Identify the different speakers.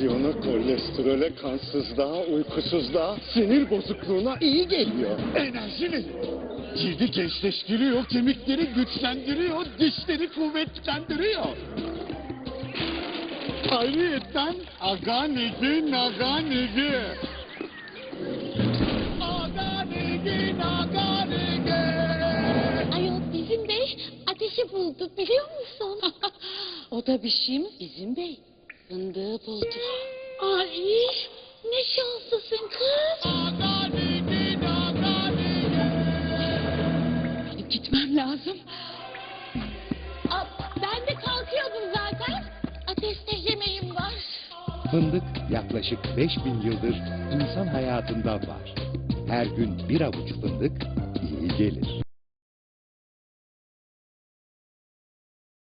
Speaker 1: Tansiyona, kolesterole, kansızlığa, uykusuzluğa, sinir bozukluğuna iyi geliyor. Enerji veriyor. Cildi gençleştiriyor, kemikleri güçlendiriyor, dişleri kuvvetlendiriyor. Ayrıyeten aganigi naganigi. Aganigi naganigi.
Speaker 2: Ayol bizim bey ateşi buldu biliyor musun?
Speaker 3: O da bir şey mi bizim bey? Fındığı buldu.
Speaker 2: Ay ne şanslısın kız.
Speaker 1: Aganigi naganigi.
Speaker 3: Benim gitmem lazım.
Speaker 2: Aa, ben de kalkıyordum zaten. Ateşte yemeğim var.
Speaker 4: Fındık yaklaşık 5000 yıldır insan hayatında var. Her gün bir avuç fındık iyi gelir.